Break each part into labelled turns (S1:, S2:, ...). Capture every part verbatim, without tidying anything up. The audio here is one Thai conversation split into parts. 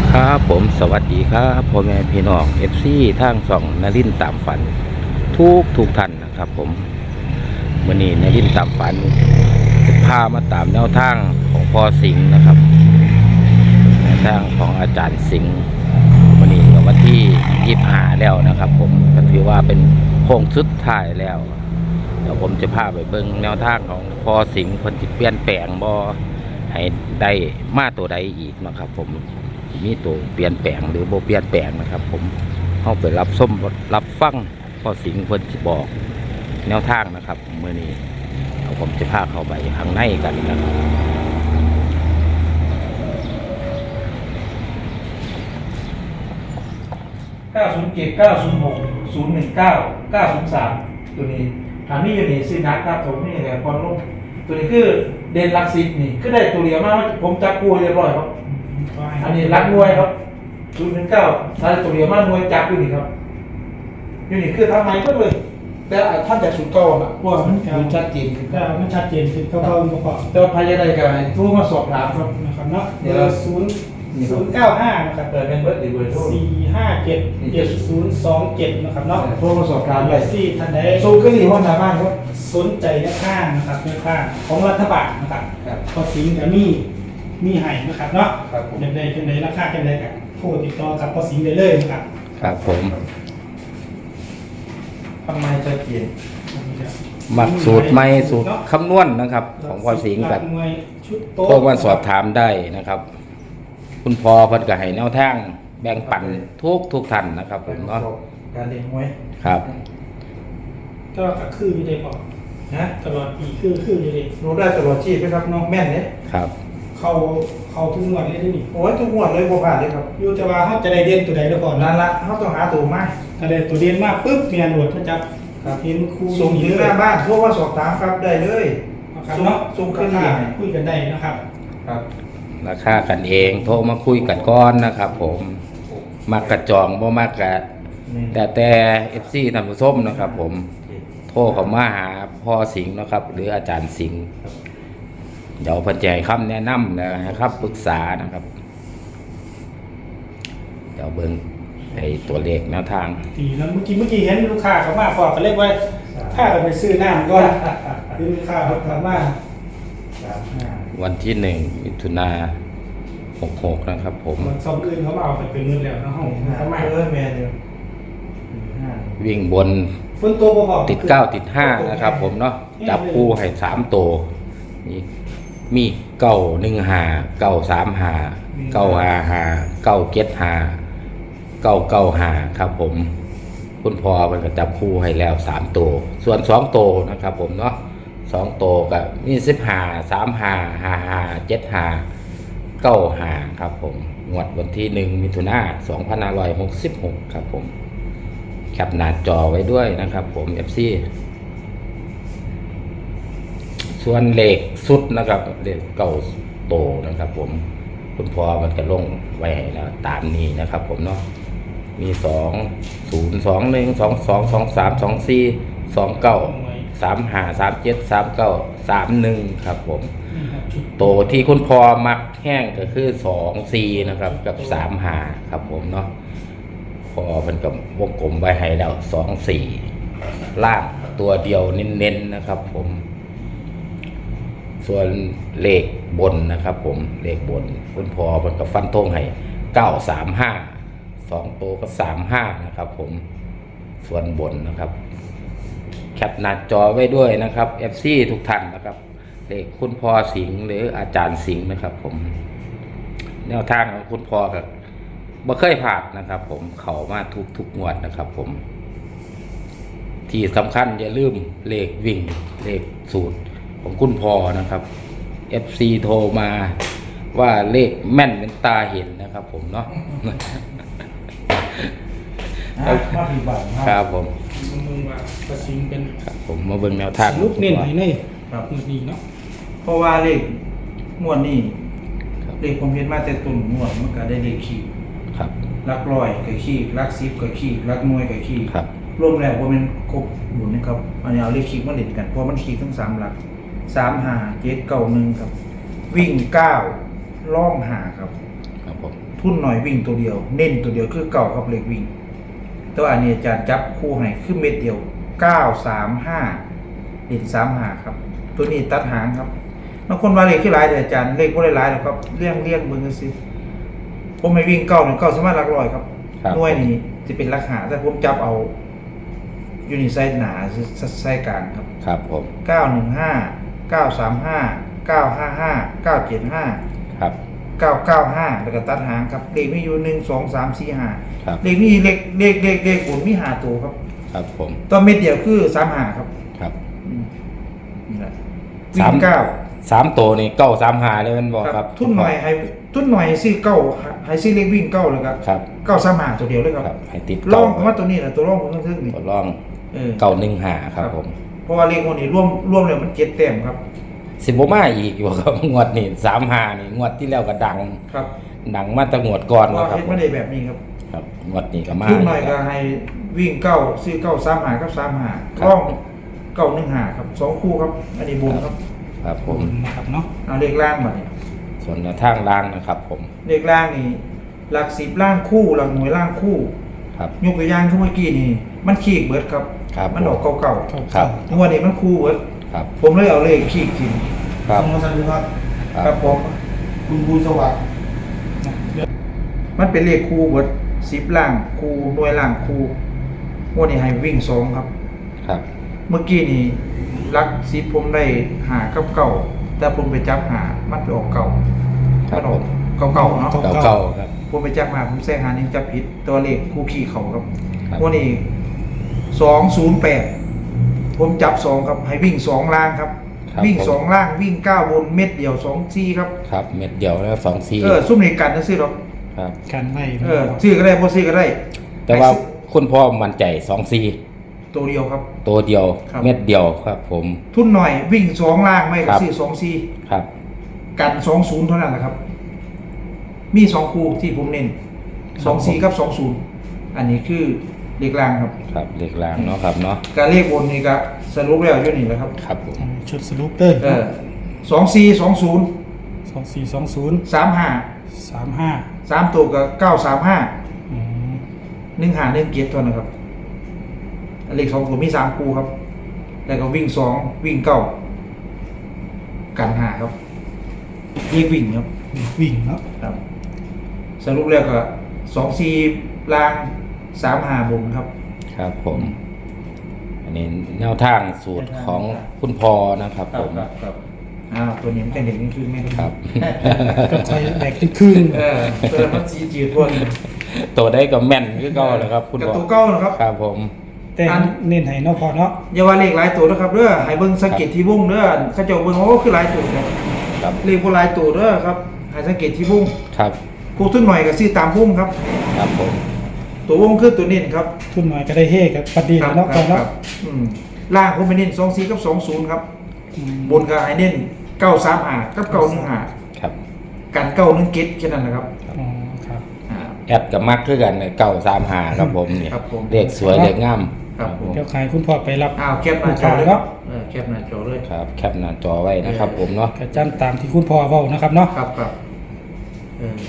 S1: ครับผมสวัสดีครับพ่อแม่พี่น้องเอฟซีทางสองนรินทร์ตามฝันทุกทุกท่านนะครับผมวันนี้นรินทร์ตามฝันจะพามาตามแนวทางของพ่อสิงห์นะครับแนวทางของอาจารย์สิงห์วันนี้ก็วันที่ยี่สิบห้าแล้วนะครับผมก็ถือว่าเป็นโค้งสุดท้ายแล้วเดี๋ยวผมจะพาไปเบิ่งแนวทางของพ่อสิงห์คนที่เปลี่ยนแปลงบ่ให้ได้มาตัวใดอีกนะครับผมมีตัวเปลี่ยนแปลงหรือโบเปลี่ยนแปลงนะครับผมเข้าไปรับส้มรับฟังพ่อสิงห์คนที่บอกแนวทางนะครับเมื่อนี้เอาผมจะพาเข้าไปข้างในกันนะครับ
S2: เก้าศูนย์เจ็ด เก้าศูนย์หก ศูนย์หนึ่งเก้า เก้าศูนย์สามตัวนี้ถามนี่อยู่นี่ซื้อนักครับผมนี่แหละพอลงตัวนี้คือเด่นลักซิปนี่คือได้ตัวเดียวมากผมจับปูเรียบร้อยครับอันนี้รักมวยครับศูนย์หนึ่งเก้าถ้าตัวเดียวมากมวยจับอยู่นี่ครับอยู่นี่คือทำไมก็เลยแต่ท่านจะสุดก้อนอ่ะว่ามันมันชัดเจนขึ้น
S3: ก็มันชัดเจนคือเขาเขาประกอบ
S2: แต่ว่าพยาใดกันทูมาสอบถามครับ
S3: นะครับเนาะเดี๋ยวศูนย์ศูนย์เก้าห้านะครับ
S2: เปิดเป็นเบิร์ดหรือเบอร์โทร
S3: สี่ห้าเจ็ดเจ็ดศูนย์สองเจ็ดนะครับเนาะ
S2: โทรมาสอบถามเลย
S3: ที่ท่านใด
S2: ซูขึ้นที่ห้องน้ำบ้านครับ
S3: สนใจแนวข้างนะครับแนวข้างของรัฐบาลนะครับ
S2: ครับ
S3: พอสิงห์กับมีมีให้นะครับเนาะ
S2: ครับผม
S3: เด็กใดเป็นใดราคาเป็นใดกันโทรติดต่อกับพอสิงห์ได้เลยนะครับ
S1: ครับผม
S2: ทำไมชัดเจน
S1: มักสูตรไม่สูตรคำนวณนะครับ ของพ่อสิงห์กัน
S3: หน่วยชุดโต๊ะ
S1: พวกมันสอบถามได้นะครับ คุณพ่อเพิ่นก็ให้แนวทางแบ่งปันทุกทุกท่านนะครับผมเนาะ
S2: การเล่นมวย
S1: ครับ
S3: ก็คืออยู่ในปอ
S2: นะ
S3: ตลอดปีคือคืออยู่ใน
S2: รู้ได้ตลอดชีพไหมครับน้องแม่นเนี่ย
S1: ครับ
S3: เขาเขาทุกงวดเลยที่นี่
S2: โอ้ยทุกงวดเลยบ่ผ่านเลยครับ
S3: อยู่แต่ว่าเขาจะได้เด่นตัวใดแล้วก่อน
S2: นั่
S3: นะ
S2: นละเขาต้องหาตัวมา
S3: ถ้าได้ตัวเด่นมากปุ๊บเมียหนวดเขาจับ
S2: ครับ
S3: เห็นครู
S2: ส่งถึงหน้าบ้านโทรมาสอบถามครับได้เลย
S3: นะครับเนาะ
S2: ส่งขึ้น
S3: รา
S2: นี่
S3: คาคุยกันได้นะครับ
S2: ครับ
S1: ราคากันเองโทรมาคุยกันก่อนนะครับ ผมมักกระจองบ่มักกะ
S2: นี่
S1: แต่แต่ เอฟ ซี ท่านผู้ชมนะครับ ผมโทรเข้ามาหาพ่อสิงห์นะครับ หรืออาจารย์สิงห์เดี๋ยวเพิ่นจะให้คำแนะนำนะครับปรึกษานะครับ เดี๋ยวเบิ่งไอ้ตัวเลขแนวทาง
S3: ทีนั้นเมื่อกี้เมื่อกี้เห็นลูกค้าเขามาพอก็เรียกว่าถ้าเราไปซื้อน้ำก่อนคือลูกค้าเขาถามว่า
S2: สามห้า
S1: วันที่หนึ่งมิถุนาหกหกนะครับ ผม
S3: มันซอมอื่นเขามาเอาไปเป็นเงินแล้วนะห้อง
S2: ห้า
S3: เขามา
S2: เออแม่เนี่ยห้า
S1: วิ่งบน
S3: ฝนตัวบ่พอ
S1: ติดเก้าติดห้านะครับ ผมเนาะจับคู่ให้สามตัวมีมีเก้าหนึ่งหาเก้าสามหาเก้าหาหาเก้าเจ็ดหาเก้าเก้าหาครับ ผมคุณพ่อมันก็จับคู่ให้แล้วสามตัวส่วนสองตัวนะครับ ผมเนาะสองตัวกับมีสิบหาสามหาหาหาเจ็ดหาเก้าหาครับ ผมงวดวันที่หนึ่งมิถุนาสองพันห้าร้อยหกสิบหกครับ ผมแคปหน้าจอไว้ด้วยนะครับ ผม เอฟ ซี ส่วนเลขสุดนะครับเลขเก้าโตนะครับ ผมคุณพ่อมันก็ลงไว้ให้แล้วตามนี้นะครับ ผมเนาะมีสองศูนย์สองหนึ่งสองสองสองสามสองสี่สองเก้าสามห้าสามเจ็ดสามเก้าสามหนึ่งครับ ผม
S3: นี่ครับชุด
S1: โตที่คุณพ่อมักแห้งก็คือสองสี่นะครับ กับสามห้าครับ ผมเนาะพอมันกับวงกลมไว้ให้แล้วสองสี่ล่างตัวเดียวเน้นๆนะครับ ผมส่วนเลขบนนะครับ ผมเลขบนคุณพ่อมันกับฟันธงให้เก้าสามห้าสองตัวก็สามห้านะครับ ผมส่วนบนนะครับแคปหน้าจอไว้ด้วยนะครับ เอฟ ซี ทุกท่านนะครับเลขคุณพ่อสิงห์หรืออาจารย์สิงห์นะครับ ผมแนวทางของคุณพ่อกับบ่เคยผ่านนะครับ ผมเข้ามาทุกทุกงวดนะครับ ผมที่สำคัญอย่าลืมเลขวิ่งเลขสูตรของคุณพ่อนะครับ เอฟ ซี โทรมาว่าเลขแม่นเป็นตาเห็นนะครับ ผมเนาะ
S2: อ่ะมาผีบัง
S1: ครับผม
S3: มึงว่าประสิงเป็น
S1: ครับผมมาเบิ่งแนวทาง
S3: ลูกเน้นให้ใน
S2: ครับ
S3: มือดีเนาะ
S2: เพราะว่าเลขงวดนี้
S1: ครับ
S2: เลขผมเห็นมาแต่ตุนงวดมันก็ได้เลขขีด
S1: ครับ
S2: ลักร้อยกับขีดลักสิบกับขีดลักหน่วยกับขีด
S1: ครับ
S2: รวมแล้วว่ามันครบหมุนนะครับอันนี้เอาเลขขีดมาเล่นกันเพราะมันขีดทั้งสามหลักสามหาเจ็ดเก้าหนึ่งครับ วิ่งเก้าล่องหาครับ
S1: ครับผม
S2: ตทุนหน่อยวิ่งตัวเดียว เน้นตัวเดียวคือเก่ากับเลขวิ่งแต่ว่าอันนี้อาจารย์จับคู่ให้คือเม็ดเดียวเก้าสามห้าเด่นสามหาครับ ตัวนี้ตัดหางครับบางคนว่าเลขที่หลายแต่อาจารย์เลขบ่ได้หลายหรอกครับเลี่ยงเลี่ยงเบิ่งกันสิผมไม่วิ่งเก้าเนี่ยเก้าสามารถหลักร้อยครับ
S1: ครับ
S2: หน่วยนี้จะเป็นลักหาแต่ผมจับเอาอยู่ในไซส์หนาไซส์กลางครับ
S1: ครับผม
S2: เก้าหนึ่งห้าเก้าสามห้าเก้าห้าห้าเก้าเจ็ดห้า
S1: ครับ
S2: เก้าเก้าห้าแล้วก็ตัดหางครับเลขมีอยู่หนึ่งสองสามสี่ห้า
S1: ครับ
S2: เลขมีเลขเลขเลขเลขบุญมีหาตัวครับ
S1: ครับผม
S2: ตัวเม็ดเดียวคือสามหาครับ
S1: ครับ
S2: อืมนี่แหละ
S1: สาม
S2: วิ่งเก้า
S1: สามตัวนี่เก้าสามหาเลยมันบอกครับ
S2: ทุนหน่อยให้ทุนหน่อยให้ซื้อเก้าให้ซื้อเลขวิ่งเก้าเลยครับ
S1: ครับ
S2: เก้าสามหาตัวเดียวเลยครับ
S1: ครับให้ติด
S2: ล่อ
S1: เก้าง
S2: ผมว่าตัวนี้แหละตัวร่องผมต้องทึ่งนี่
S1: ตัวร่อง
S2: เออ
S1: เก้าหนึ่งหาครับผม
S2: เพราะว่าเลขคนนี้ร่วมร่วมเลยมันเจ็ดแต้มครับ
S1: สิบบ่มาอีกอยู่ครับ งวดนี่สามหานี่งวดที่แล้วก็ดัง
S2: ครับ
S1: ดังมาตั้งงวดก่อน
S2: เพราะ
S1: แล้ว
S2: ว่า
S1: ครับ
S2: เฮ็ดไม่ได้แบบนี้ครับ
S1: ครับงวดนี้ก็มา
S2: ทุนหน่อยก็ให้วิ่งเก้าซื้อเก้าสามหากับสามหาร่องเก้าหนึ่งหาครับสองคู่ครับ อันนี้บุญครับ
S1: ครับผม
S3: นะครับเนาะ
S2: เอาเลขล่างมาเนี่ย
S1: ส่วนแนวทางล่างนะครับ ผม
S2: เลขล่างนี่หลักสิบล่างคู่หลักหน่วยล่างคู่
S1: ครับ
S2: ยกตัวอย่างที่เมื่อกี้นี่มันขีกเบิดครับ
S1: ครับ
S2: มันออกเก่า
S1: ครับ
S2: ๆงวดนี้มันคู่เบิด
S1: ครับ
S2: ผมเลยเอาเลขขีกทิ้ง
S1: ครับ
S3: คุณสันติภาพ
S2: ครับผม
S3: คุณบูสวัสดิ์
S2: มันเป็นเลขคู่เบิดสิบล่างคู่หน่วยล่างคู่งวดนี้ให้วิ่งสองครับ
S1: ครับ
S2: เมื่อกี้นี่ลักสิบผมได้หากับเก่าแต่ผมไปจับหามันไปออกเก่า
S1: ครั
S2: มั
S1: บ
S2: นอ
S1: ผ
S2: อก
S1: ม
S2: เก่าๆเนาะ
S1: เก้าเก้าครับ
S2: ผมไปจับมาผมแซงหานี่จับผิดตัวเลขคู่ขี่เขาครับ
S1: ครับ
S2: วันนี้สองศูนย์แปดผมจับสองครับให้วิ่งสองล่างครับ
S1: ครับ
S2: วิ่ง
S1: ผม
S2: สองล่างวิ่งเก้าบนเม็ดเดียวสองซีครับ
S1: ครับเม็ดเดียวแล้วสองซี
S2: เออซุ่มในกันนะซื้อหรอก
S1: ครับ
S3: การไม่
S2: เออซื้อก็ได้บ่ซื้อก็ได้
S1: แต่ว่า
S2: ให้ซื้อ
S1: คุณพ่อมั่นใจสองซี
S2: ตัวเดียวครับ
S1: ตัวเดียว
S2: ครับ
S1: เม็ดเดียวครับ ผม
S2: ทุนหน่อยวิ่งสองล่างไม่ก็
S1: ครับ
S2: ซื้อสองซี
S1: ครับ
S2: กันสองศูนย์เท่านั้นแหละครับ มีสองคู่ที่ผมเน้นสองสี่กับสองศูนย์อันนี้คือเลขล่างครับ
S1: ครับเลขล่างเนาะครับเนาะ
S2: การเลขบนนี่ก็สรุปแล้วอยู่นี่แหละครับ
S1: ครับผม
S3: ชุดสรุปเด้อ
S2: เออสองสี่สองศูนย์
S3: สองสี่สองศูนย์
S2: สามห้า
S3: สามห้า
S2: สามตัวกับเก้าสามห้า
S3: อืม
S2: หนึ่งหาหนึ่งเกียรตัวนะครับเลขสองตัวมีสามคู่ครับ แล้วก็วิ่งสองวิ่งเก้ากันหาครับเลขวิ่งครับ
S3: วิ่งเนาะ
S2: ครับ สรุปแล้วก็สองสี่ล่างสามหาบนครับ
S1: ครับผม อันนี้แนวทางสูตรของคุณพ่อนะครับ ผม
S2: ครับอ้าวตัวนี้มันจะเด็กนี่คือไม่ได้
S1: ครับ
S3: ก็ใช้แบกครึ่ง
S2: เออตัวนั้นมันสีจืดพวกนี้
S1: ตัวได้ก็แม่นคือเก่าเลยครับ คุณ
S2: กับ
S1: พ่อ
S2: ตัวเก้านะครับ
S1: ครับผม
S3: ๆแต่เน้นให้เนาะพอเนาะ
S2: อย่าว่าเลขหลายตัวนะครับเด้อให้เบิ่งสังเกตที่วงเด้อเขาเจ้าเบิ่งโอ้คือหลายตัวครับ
S1: ครับ
S2: เลขบ่หลายตัวเด้อครับให้สังเกตที่วง
S1: ครับ
S2: ผู้ทุนหน่อยก็ซื้อตามวงครับ
S1: ครับผม
S2: ตัววงคือตัวเน้นครับ
S3: ทุนหน่อยก็ได้เฮกับปฏิ
S2: ครั
S3: เนาะพอ
S2: ค
S3: เนาะ
S2: รัอืมล่างผมไปเน้นสองสี่กับสองศูนย์ครับ
S3: อืม
S2: บนก็ให้เน้นเก้าสามห้ากับเก้าหนึ่งห้า
S1: ครับ
S2: กันเก้าหนึ่งเจ็ดแค่นั้นแหละครับ
S3: อ๋อครับ
S2: อ่า
S1: แอดกับมักคือกันเก่าสามหาครับผมเนี่ย
S2: ครับผม
S1: เลขสวยเลขงาม
S2: ครับผม
S3: เดี๋ยวขายคุณพ่อไปรับ
S2: อ้าวแคปหน้าจอเลยครับเออแคปหน้าจอเลย
S1: ครับแคปหน้าจอไว้นะครับ ผมเนาะ
S3: กระจันตามที่คุณพ่อเว้านะครับเนาะ
S2: ครับครับเออ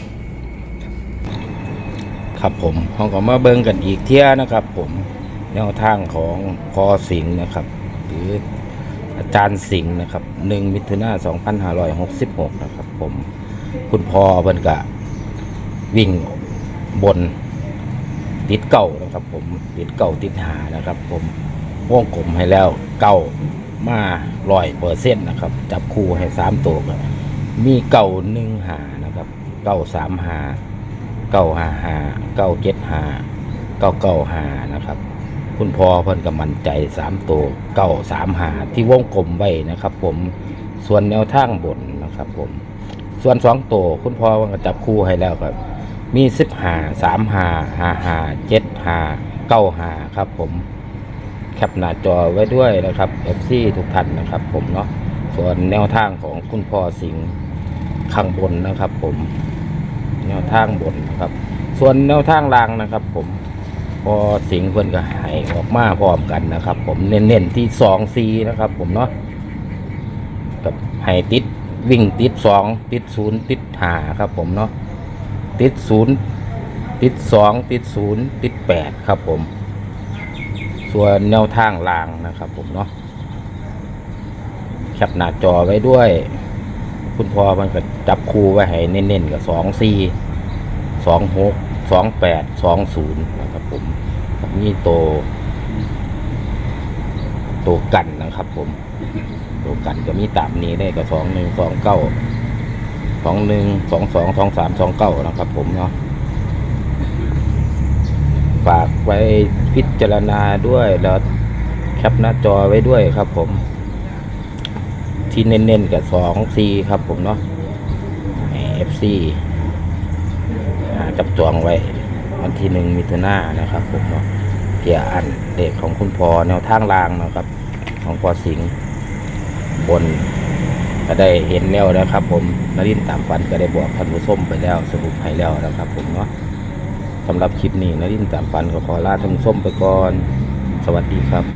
S1: ครับผมเราก็มาเบิ่งกันอีกเที่ยนะครับ ผมแนวทางของพอสิงห์นะครับ หรืออาจารย์สิงห์นะครับหนึ่งมิถุนายนสองพันห้าร้อยหกสิบหกนะครับ ผมคุณพ่อเพิ่นก็วิ่งบนติดเก่านะครับ ผมติดเก่าติดหานะครับ ผมวงกลมให้แล้วเก่ามาร้อยเปอร์เซ็นต์นะครับ จับคู่ให้สามตัวก็มีเก่าหนึ่งหานะครับเก่าสามหาเก้าห้าห้าเก้าเจ็ดห้าเก้าเก้าห้านะครับ คุณพ่อเพิ่นก็มั่นใจสามตัวเก้าสามหาที่วงกลมไว้นะครับ ผมส่วนแนวทางบนนะครับ ผมส่วนสองตัวคุณพ่อมันก็จับคู่ให้แล้วครับ มีสิบหาสามหาห้าหาเจ็ดหาเก้าหาครับ ผมแคปหน้าจอไว้ด้วยนะครับ เอฟ ซี ทุกท่านนะครับ ผมเนาะส่วนแนวทางของคุณพ่อสิงห์ข้างบนนะครับ ผมแนวทางบนนะครับ ส่วนแนวทางล่างนะครับ ผมพอสิงห์เพิ่นก็ให้ออกมาพร้อมกันนะครับ ผมเน้นๆที่สองซีนะครับ ผมเนาะกับให้ติดวิ่งติดสองติดศูนย์ติดหาครับ ผมเนาะติดศูนย์ติดสองติดศูนย์ติดแปดครับผมส่วนแนวทางล่างนะครับผมเนาะแคปหน้าจอไว้ด้วยคุณพ่อมันก็จับคู่ไว้ให้เน้นๆกับสองสี่สองหกสองแปดสองศูนย์นะครับผมนี่โตโตกันนะครับผมโตกันก็มีตามนี้ได้กับสองหนึ่งสองเก้าสองหนึ่งสองสองสองสามสองเก้านะครับผมเนาะฝากไว้พิจารณาด้วยแล้วแคปหน้าจอไว้ด้วยครับผมที่เน้นๆกับสองซีครับผมเนาะเอฟซีจับจองไว้วันที่หนึ่งมิถุนายนนะครับผมเนาะเกี่ยอันเด็กของคุณพ่อแนวทางรางนะครับของพ่อสิงห์บนก็ได้เห็นแล้วนะครับผมนรินทร์ตามฝันก็ได้บอกท่านผู้ชมไปแล้วสรุปให้แล้วนะครับผมเนาะสำหรับคลิปนี้นรินทร์ตามฝันก็ขอลาท่านผู้ชมไปก่อนสวัสดีครับ